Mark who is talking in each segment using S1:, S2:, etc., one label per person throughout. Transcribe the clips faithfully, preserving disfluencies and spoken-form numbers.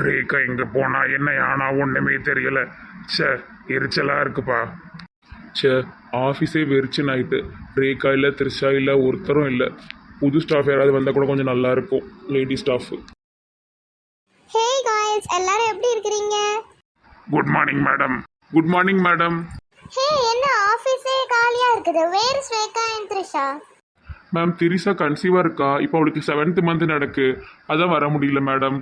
S1: ரேகா எங்கே போனா என்ன ஆனா ஒன்றுமே தெரியல. சே, எரிச்சலா இருக்குப்பா. சே, ஆஃபீஸே வெறிச்சு நைட்டு. ரேகா இல்லை, த்ரிஷா இல்லை, ஒருத்தரும் இல்லை. புது ஸ்டாஃப் யாராவது வந்தால் கூட கொஞ்சம் நல்லா இருக்கும், லேடி ஸ்டாஃப்.
S2: ஹே காய்ஸ், எல்லாரும் எப்படி இருக்கிறீங்க?
S1: Good morning madam. Good morning madam.
S2: ஹே, என்ன ஆஃபீஸே காலியா இருக்குது? Where is Rekha and Trisha?
S1: Ma'am, Trisha கன்சீவாக இருக்கா. இப்போ அவளுக்கு செவன்த் மந்த் நடக்கு, அதான் வர முடியல மேடம்.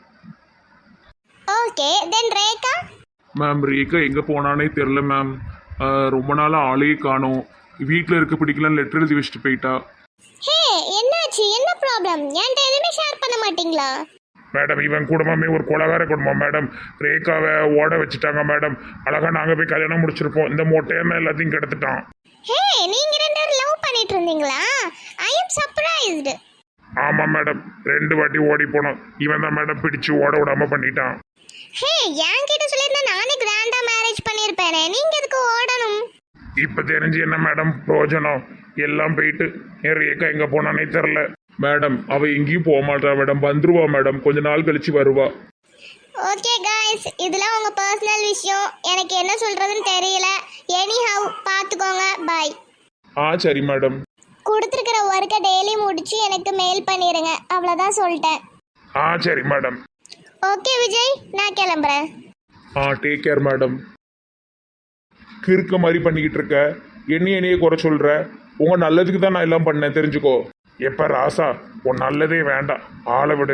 S2: Okay, then Rekha?
S1: Ma'am, Rekha எங்கே போனானே தெரில மேம். ரொம்ப நாளாக ஆளே காணோம். வீட்டில் இருக்க பிடிக்கலன்னு லெட்டர் எழுதி வச்சுட்டு போயிட்டா.
S2: ஹே, என்னாச்சு? என்ன ப்ராப்ளம்? என்கிட்ட எதுவுமே ஷேர் பண்ண மாட்டீங்களா?
S1: மேடம், இவன் குடும்பமே ஒரு கொலகார குடும்பம் மேடம். ரேகாவை ஓட வச்சுட்டாங்க மேடம். அழகா நாங்கள் போய் கல்யாணம் முடிச்சிருப்போம். இந்த மொட்டையன்னு எல்லாத்தையும் கெடுத்துட்டான்.
S2: ஹே, நீங்க ரெண்டு பேரும் லவ் பண்ணிட்டு இருந்தீங்களா? ஐ அம் சர்ப்ரைஸ்டு.
S1: ஆமாம் மேடம், ரெண்டு வாட்டி ஓடி போனோம். இவன் தான் மேடம் பிடிச்சு ஓட விடாம பண்ணிட்டான்.
S2: ஹே, என்கிட்ட சொல்லியிருந்தா நானே கிராண்டா மேரேஜ் பண்ணியிருப்பேனே, நீங்க எதுக்கு ஓடணும்?
S1: இப்போ தெரிஞ்சு என்ன மேடம் பிரயோஜனம்? எல்லாம் போயிட்டு என் ரேகா எங்கே போனானே தெரில மேடம். அவள் எங்கேயும் போக மாட்டா மேடம். வந்துருவா மேடம், கொஞ்ச நாள் கழிச்சு வருவா.
S2: ஓகே காய்ஸ், இதெல்லாம் உங்க பர்சனல் விஷயம், எனக்கு என்ன சொல்றதுன்னு தெரியல. எனி ஹவ் பார்த்துக்கோங்க. பாய்.
S1: ஆ சரி மேடம்.
S2: கொடுத்துருக்கிற ஒர்க்கை டெய்லி முடிச்சு எனக்கு மெயில் பண்ணிடுங்க, அவ்வளோதான் சொல்லிட்டேன்.
S1: ஆ சரி மேடம்.
S2: ஓகே விஜய், நான் கிளம்புறேன்.
S1: Ah take care madam. கிறுக்க மாதிரி பண்ணிக்கிட்டு இருக்க, என்னைய என்னையே குறை சொல்கிற. உங்கள் நல்லதுக்கு தான் நான் எல்லாம் பண்ணேன், தெரிஞ்சுக்கோ. எப்போ ராசா, உன் நல்லதே வேண்டாம், ஆளை விடு.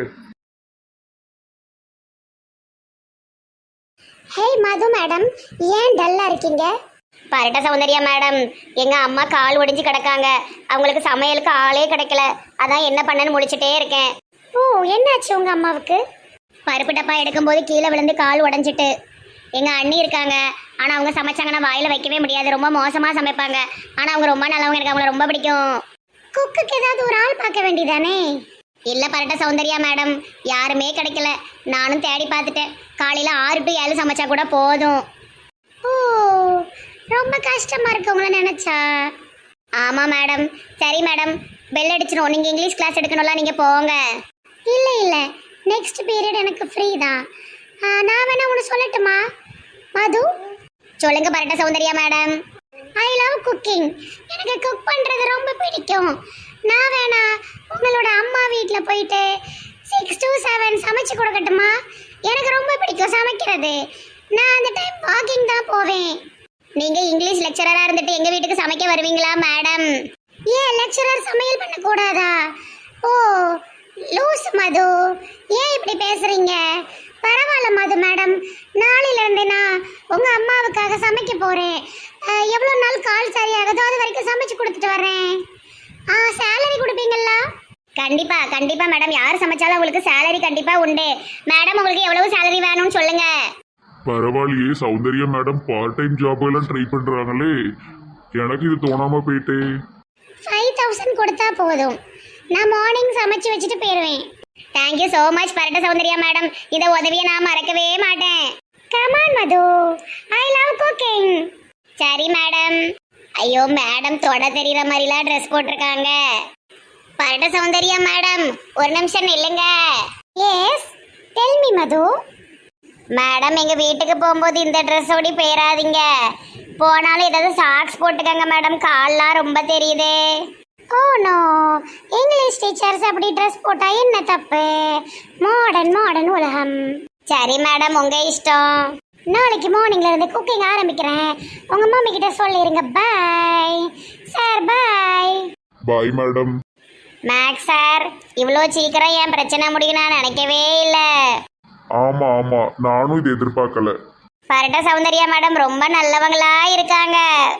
S2: ஹே மது மேடம், ஏன் டல்லா இருக்கீங்க? பரட்ட சௌந்தர்யா மேடம், எங்க அம்மா கால் ஒடிஞ்சு கிடக்காங்க. அவங்களுக்கு சமையலுக்கு ஆளே கிடைக்கல, அதான் என்ன பண்ணன்னு முடிச்சுட்டே இருக்கேன். ஓ, என்னாச்சு உங்க அம்மாவுக்கு? பருப்பு டப்பா எடுக்கும்போது கீழே விழுந்து கால் உடஞ்சிட்டு. எங்க அண்ணி இருக்காங்க, ஆனா அவங்க சமைச்சாங்கன்னா வாயில வைக்கவே முடியாது, ரொம்ப மோசமா சமைப்பாங்க. ஆனா அவங்க ரொம்ப நல்லவங்க, எனக்கு அவங்கள ரொம்ப பிடிக்கும். குக்குக்கு ஏதாவது ஒரு ஆள் பார்க்க வேண்டியதானே? இல்ல பரட்ட சௌந்தர்யா மேடம், யாருமே கிடைக்கல. நானும் தேடி பார்த்துட்டேன். காலையில ஆறு டு ஏழு சமைச்சா கூட போதும். ஓ, ரொம்ப கஷ்டமா இருக்கு உங்களை நினைச்சா. ஆமா மேடம். சரி மேடம், பெல் அடிச்சிடும். நீங்க இங்கிலீஷ் கிளாஸ் எடுக்கணும்ல, நீங்க போங்க. இல்ல இல்ல, நெக்ஸ்ட் பீரியட் எனக்கு ஃப்ரீ தான். நான் வேணா ஒன்று சொல்லட்டுமா மது? சொல்லுங்க பரட்ட Soundarya madam. I love cooking. எனக்கு குக் பண்றது ரொம்ப பிடிக்கும். நான் வேணா உங்களோட அம்மா வீட்டில் போயிட்டு சிக்ஸ் டு செவன் சமைச்சு கொடுக்கட்டுமா? எனக்கு ரொம்ப பிடிக்கும் சமைக்கிறது. நான் அந்த டைம் வாக்கிங் தான் போவேன். நீங்க இங்கிலீஷ் லெக்சரரா இருந்துட்டு எங்க வீட்டுக்கு சமைக்க வருவீங்களா மேடம்? ஏன் லெக்சரர் சமையல் பண்ண கூடாதா? ஓ லூஸ் மது, ஏன் இப்படி பேசுறீங்க? பரவாயில்ல மது மேடம், நாளையில இருந்து நான் உங்க அம்மாவுக்காக சமைக்க போறேன். எவ்வளவு நாள் கால் சரியாகுதோ அது வரைக்கும் சமைச்சு கொடுத்துட்டு வரேன். ஆ, சேலரி கொடுப்பீங்களா? கண்டிப்பா கண்டிப்பா மேடம், யார் சமைச்சாலும் உங்களுக்கு சேலரி கண்டிப்பா உண்டு. மேடம், உங்களுக்கு எவ்வளவு சேலரி வேணும்னு சொல்லுங்க.
S1: பரவாயில்லையே Soundarya madam, part time job எல்லாம் ட்ரை பண்றாங்களே, எனக்கு இது தோணாம போயிட்டே.
S2: ஃபைவ் தௌசண்ட் கொடுத்தா போதும், நான் மார்னிங் சமைச்சு வச்சுட்டு போயிடுவேன். தேங்க்யூ ஸோ மச் பரட்ட சௌந்தர்யா மேடம், இந்த உதவியை நான் மறக்கவே மாட்டேன். Come on Madhu, I love cooking. சரி மேடம். ஐயோ மேடம், தொட தெரியுற மாதிரிலாம் ட்ரெஸ் போட்டிருக்காங்க. பரட்ட சௌந்தர்யா மேடம், ஒரு நிமிஷம் நில்லுங்க. Yes, tell me Madhu. Madam, எங்க வீட்டுக்கு போகும்போது இந்த ட்ரெஸ்ஸோடி போயிடாதீங்க. போனாலும் ஏதாவது சாக்ஸ் போட்டுக்கங்க மேடம், கால்லாம் ரொம்ப தெரியுது. ஓ நோ, இங்கிலீஷ் டீச்சர்ஸ் அப்படி ட்ரெஸ் போட்டா என்ன தப்பு? மாடர்ன் மாடர்ன் உலகம். சரி மேடம், உங்க இஷ்டம். நாளைக்கு மார்னிங்ல இருந்து குக்கிங் ஆரம்பிக்கிறேன். உங்க மம்மி கிட்ட சொல்லிருங்க. Bye sir. Bye.
S1: Bye madam.
S2: Max sir, இவ்வளோ சீக்கிரம் என் பிரச்சனை முடியும் நான் நினைக்கவே இல்லை.
S1: ஆமா ஆமா, நானும் இது எதிர்பார்க்கல.
S2: பரட்ட சௌந்தர்யா மேடம் ரொம்ப நல்லவங்களா இருக்காங்க.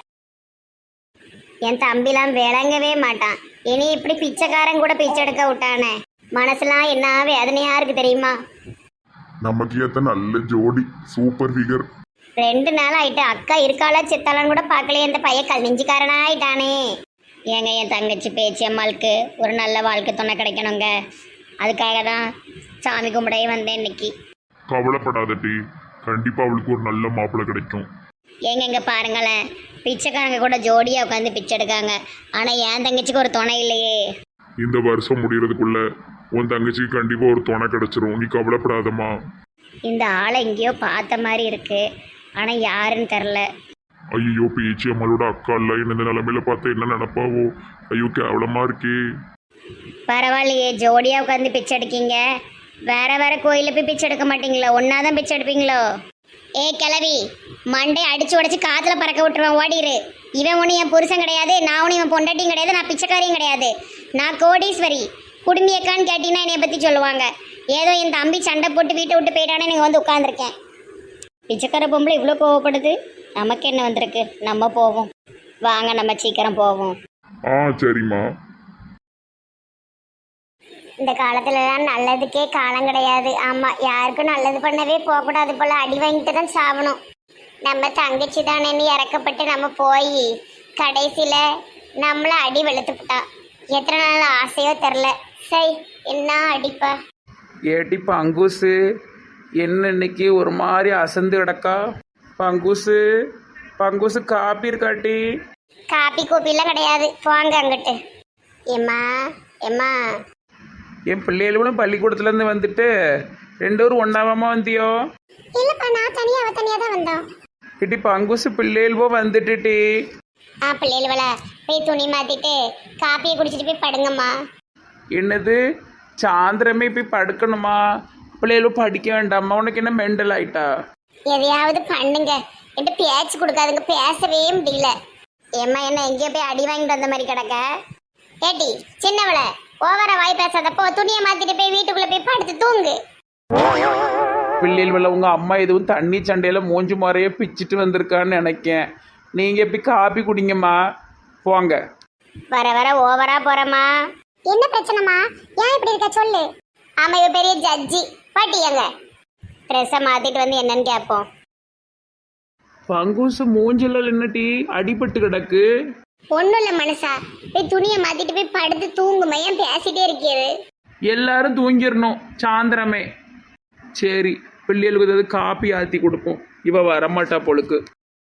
S2: என் தம்பிலாம் விளங்கவே மாட்டான். இனி இப்படி பிச்சைக்காரன் கூட பிச்சை எடுக்க விட்டானே, மனசுலாம் என்ன வேதனையா இருக்கு தெரியுமா?
S1: நமக்கு ஏத்த நல்ல ஜோடி, சூப்பர் ஃபிகர்.
S2: ரெண்டு நாள் ஆயிட்டு அக்கா இருக்காளா செத்தாலான்னு கூட பார்க்கலையே, இந்த பையன் கல் நெஞ்சுக்காரனா ஆயிட்டானே. ஏங்க, என் தங்கச்சி பேச்சு அம்மாளுக்கு ஒரு நல்ல வாழ்க்கை துணை கிடைக்கணுங்க, அதுக்காக தான் சாமி கும்பிடவே வந்தேன் இன்னைக்கு.
S1: கவலைப்படாத டி, கண்டிப்பா அவளுக்கு ஒரு நல்ல மாப்பிள்ளை கிடைக்கும்.
S2: ஏங்க இங்க பாருங்களேன், பிச்சைக்காரங்க கூட ஜோடியா உட்காந்து பிச்சை எடுக்காங்க. ஆனா என் தங்கச்சிக்கு ஒரு துணை இல்லையே.
S1: இந்த வருஷம் முடியறதுக்குள்ள உன் தங்கச்சிக்கு கண்டிப்பா ஒரு துணை கிடைச்சிரும், நீ கவலைப்படாதம்மா.
S2: இந்த ஆளை எங்கேயோ பார்த்த மாதிரி இருக்கு, ஆனால் யாருன்னு தெரில.
S1: ஐயோ பேச்சு அம்மாளோட அக்கா இல்ல, என்ன இந்த நிலைமையில பார்த்தா என்ன நினைப்பாவோ? ஐயோ கேவலமா இருக்கே.
S2: பரவாயில்லையே, ஜோடியாக உட்காந்து பிச்சை எடுக்கீங்க. வேற வேற கோயிலில் போய் பிச்சை எடுக்க மாட்டீங்களோ? ஒன்றா தான் பிச்சை எடுப்பீங்களோ? ஏ கிளவி, மண்டை அடிச்சு உடச்சி காற்றுல பறக்க விட்டுருவேன், ஓடிரு. இவன் ஒன்று என் புருஷன் கிடையாது, நான் ஒன்று இவன் பொண்டாட்டியும் கிடையாது, நான் பிச்சைக்காரியும் கிடையாது. நான் கோடீஸ்வரி. குடும்பியக்கான்னு கேட்டீங்கன்னா என்னைய பற்றி சொல்லுவாங்க. ஏதோ என் தம்பி சண்டை போட்டு வீட்டை விட்டு போயிட்டானே நீங்கள் வந்து உட்காந்துருக்கேன். பிச்சைக்கார பொம்பளை இவ்வளோ கோவப்படுது, நமக்கு என்ன வந்திருக்கு? நம்ம போவோம் வாங்க, நம்ம சீக்கிரம் போவோம்.
S1: ஆ சரிம்மா.
S2: இந்த காலத்துலலாம் நல்லதுக்கே காலம் கிடையாது. ஆமாம், யாருக்கும் நல்லது பண்ணவே போகக்கூடாது போல், அடி வாங்கிட்டு தான் சாகணும். நம்ம தங்கச்சி தானேன்னு இறக்கப்பட்டு நம்ம போய் கடைசியில் நம்மளை அடி வெளுத்துப்பிட்டா. எத்தனை நாள் ஆசையோ தெரில. சரி, என்ன அடிப்பா?
S3: ஏட்டி பங்கூசு, என்ன இன்னைக்கு ஒரு மாதிரி அசந்து கிடக்கா? பங்கூசு பங்கூசு காப்பி இருக்காட்டி?
S2: காப்பி கோப்பிலாம் கிடையாது, போங்க அங்கிட்டு. ஏம்மா ஏம்மா,
S3: என் பிள்ளைகளும் பள்ளிக்கூடத்துலேருந்து வந்துட்டு ரெண்டு பேரும் ஒன்றாவாமா வந்தியோ?
S2: இல்லைப்பா, நான் தனியாக அவ தனியாக தான் வந்தோம்.
S3: இட்டி பங்குசு பிள்ளைகளுவோ வந்துட்டுட்டி.
S2: ஆ பிள்ளைகள போய் துணி மாற்றிட்டு காப்பியை குடிச்சிட்டு போய் படுங்கம்மா.
S3: என்னது சாயந்தரமே போய் படுக்கணுமா? பிள்ளைகளும் படிக்க வேண்டாமா? உனக்கு என்ன மெண்டல் ஆயிட்டா?
S2: எதையாவது பண்ணுங்க, என்கிட்ட பேச்சு கொடுக்காதுங்க, பேசவே முடியல. ஏம்மா என்ன எங்கேயோ போய் அடி வாங்கிட்டு வந்த மாதிரி கிடக்க? ஏட்டி சின்னவள, ஓவர வாய் பேசாதப்போ துணியை மாத்திட்டு போய் வீட்டுக்குள்ள போய் படுத்து தூங்கு.
S3: பிள்ளைகள் உங்க அம்மா எதுவும் தண்ணி சண்டையில மூஞ்சி முறைய பிச்சுட்டு வந்திருக்கான்னு நினைக்கேன். நீங்க போய் காப்பி குடிங்கம்மா, போங்க.
S2: வர வர ஓவரா போறமா? என்ன பிரச்சனைமா? ஏன் இப்படி இருக்க சொல்லு. ஆமா, இவ பெரிய ஜட்ஜி. பாட்டியங்க ட்ரெஸ்ஸை மாத்திட்டு வந்து என்னன்னு கேட்போம்.
S3: பங்குசு மூஞ்சில என்னட்டி அடிபட்டு கிடக்கு?
S2: ஒன்றும் இல்லை மனுஷா, போய் துணியை மாத்திட்டு போய் படுத்து தூங்குமா. ஏன் பேசிட்டே இருக்கிறது?
S3: எல்லாரும் தூங்கிடணும் சாயந்தரமே. சரி, பிள்ளைகளுக்கு ஏதாவது காப்பி ஆற்றி கொடுப்போம். இவ வரமாட்டா பொழுக்கு.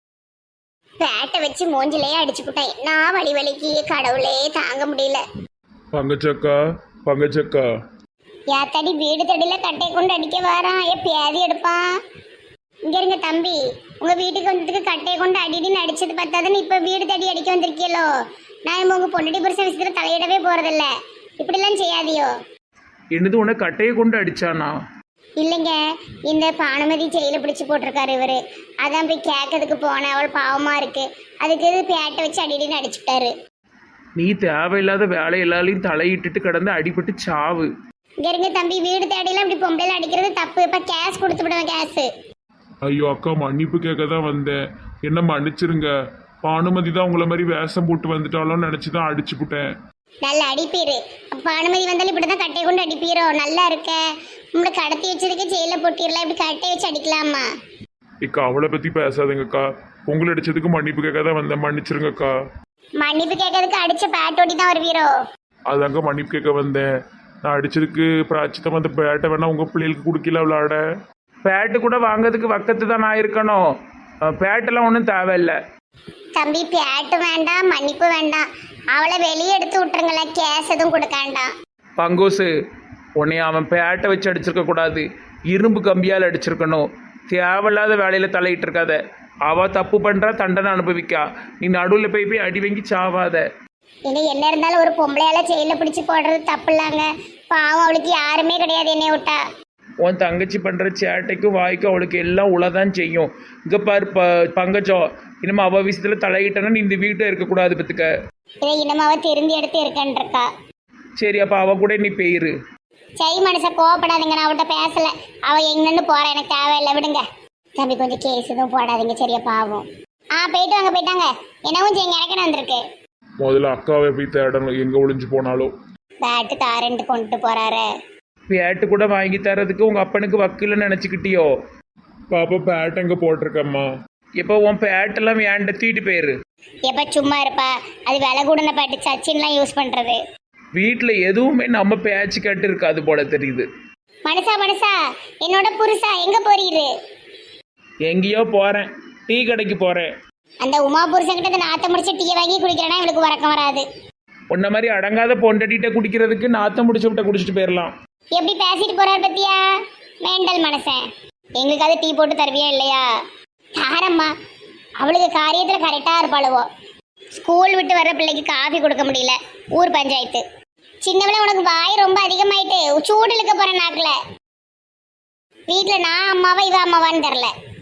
S2: பேட்டை வச்சு மூஞ்சிலேயே அடிச்சு போட்டேன். நான் வலி வலிக்கு கடவுளே தாங்க முடியல.
S1: பங்கச்சக்கா பங்கச்சக்கா.
S2: யாத்தாடி வீடு தடியில கட்டை கொண்டு அடிக்க வரான். ஏ பேதி எடுப்பான். இங்க இருங்க தம்பி, உங்க வீட்டுக்கு வந்ததுக்கு கட்டையை கொண்டு அடிடின்னு அடிச்சது பார்த்தாதுன்னு இப்ப வீடு தடி அடிக்க வந்திருக்கீங்களோ? நான் உங்க பொண்ணடி புருஷ விஷயத்துல தலையிடவே போறதில்ல. இப்படிலாம் செய்யாதியோ.
S3: என்னது உன கட்டையை கொண்டு அடிச்சானா?
S2: இல்லைங்க, இந்த பானுமதி ஜெயில பிடிச்சி போட்டிருக்காரு இவரு. அதான் போய் கேட்கறதுக்கு போனேன், அவள் பாவமா இருக்கு. அதுக்கு இது பேட்டை வச்சு அடிடின்னு அடிச்சுட்டாரு.
S3: நீ தேவையில்லாத வேலை எல்லாரையும் தலையிட்டுட்டு கிடந்து அடிபட்டு சாவு.
S2: இங்க இருங்க தம்பி, வீடு தேடிலாம் இப்படி பொம்பளைல அடிக்கிறது தப்பு. இப்ப கேஸ் கொடுத்து விடுவேன், கேஸ்.
S1: ஐயோ அக்கா, மன்னிப்பு கேட்க தான் வந்தேன், என்ன மன்னிச்சிருங்க. பானுமதி தான் உங்களை மாதிரி வேஷம் போட்டு வந்துட்டாலும் நினச்சி தான் அடிச்சு விட்டேன்.
S2: நல்ல அடிப்பீரு. அப்ப அனுமதி வந்தாலும் இப்படிதான் கட்டையை கொண்டு அடிப்பீரோ? நல்லா இருக்க. உங்களை கடத்தி வச்சதுக்கு ஜெயில போட்டிடலாம், இப்படி கட்டையை வச்சு அடிக்கலாமா?
S1: இக்கா அவளை பற்றி பேசாதீங்கக்கா. உங்களை அடிச்சதுக்கு மன்னிப்பு கேட்க தான் வந்தேன், மன்னிச்சிருங்கக்கா.
S2: மன்னிப்பு கேட்கறதுக்கு அடிச்ச பேட்டோடி தான் வருவீரோ?
S1: அதாங்க மன்னிப்பு கேட்க வந்தேன். நான் அடிச்சதுக்கு பிராச்சித்தம் அந்த பேட்டை வேணா உங்கள் பிள்ளைகளுக்கு கொடுக்கல விளாட.
S3: பேட்டு கூட வாங்கிறதுக்கு வக்கத்து தான் நான் இருக்கணும். பேட்டெல்லாம் ஒன்றும் தேவையில்லை.
S2: தம்பி பேட்டு வேண்டாம், மன்னிப்பு வேண்டாம். அவளை வெளியே எடுத்து விட்டுருங்களேன், கேஸ் எதுவும் கொடுக்க வேண்டாம்.
S3: பங்கோசு, உன்னை அவன் பேட்டை வச்சு அடிச்சிருக்க கூடாது, இரும்பு கம்பியால் அடிச்சிருக்கணும். தேவையில்லாத வேலையில தலையிட்டு இருக்காத. அவ தப்பு பண்றா, தண்டனை அனுபவிக்கா. நீ நடுவில் போய் போய் அடி வாங்கி சாவாத.
S2: இனி என்ன இருந்தாலும் ஒரு பொம்பளையால ஜெயில பிடிச்சு போடுறது தப்பு இல்லைங்க. பாவம், அவளுக்கு யாருமே கிடையாது என்னை விட்டா.
S3: உன் தங்கச்சி பண்ற சேட்டைக்கும் வாய்க்கும் அவளுக்கு எல்லாம் உளதான் செய்யும். இங்க பாரு ப பங்கஜம், இனிமே அவ விஷயத்துல தலையிட்டனா நீ இந்த வீட்டை இருக்கக்கூடாது பத்துக்க.
S2: இதை இனிமே அவ திருந்தி எடுத்து இருக்கா.
S3: சரி, அப்ப அவ கூட நீ பெயிரு.
S2: சரி மனுஷன், கோவப்படாதீங்க, நான் அவட்ட பேசல. அவ எங்கன்னு போற, எனக்கு தேவையில்லை, விடுங்க. தம்பி கொஞ்சம் கேஸ் எதுவும் போடாதீங்க, சரியா? பாவம். ஆ போயிட்டு வாங்க, போயிட்டாங்க. என்னவும் செய்யுங்க, எனக்கு வந்திருக்கு.
S1: முதல்ல அக்காவை போய் தேடணும், எங்க ஒளிஞ்சு போனாலும்.
S2: பேட்டு தாரன்ட்டு கொண்டு போறாரு.
S3: பேட்டு கூட வாங்கி தரதுக்கு உங்க அப்பனுக்கு வக்கில்னு நினைச்சுக்கிட்டியோ?
S1: பாப்பா பேட் எங்க போட்டிருக்கம்மா?
S3: இப்போ உன் பேட்டெல்லாம் வேண்ட தீட்டு போயிரு.
S2: எப்ப சும்மா இருப்பா, அது விலை கூடன பேட்டு, சச்சின்லாம் யூஸ் பண்றது.
S3: வீட்டில் எதுவுமே நம்ம பேச்சு கட்டு இருக்காது போல தெரியுது.
S2: மனுஷா மனுஷா, என்னோட புருஷா எங்க போறீரு?
S3: எங்கேயோ போறேன், டீ கடைக்கு போறேன்.
S2: அந்த உமா புருஷன்கிட்ட இந்த நாத்த முடிச்சு டீ வாங்கி குடிக்கிறேன்னா இவளுக்கு வரக்கம் வராது.
S3: உன்ன மாதிரி அடங்காத பொண்டடிட்ட குடிக்கிறதுக்கு நாத்தம் முடிச்சு விட்ட குடிச்சிட்டு போயிடலாம்.
S2: எப்படி பேசிட்டு போறாரு பத்தியா? மேண்டல் மனுஷன். எங்களுக்காவது டீ போட்டு தருவியா இல்லையா? தாரம்மா, அவளுக்கு காரியத்தில் கரெக்டாக இருப்பாளுவோ. ஸ்கூல் விட்டு வர்ற பிள்ளைக்கு காஃபி கொடுக்க முடியல, ஊர் பஞ்சாயத்து. சின்னவள உனக்கு வாய் ரொம்ப அதிகமாயிட்டு சூடு இழுக்க போற நாக்கில். வீட்டில் நான் அம்மாவா இவ அம்மாவான்னு தெரில.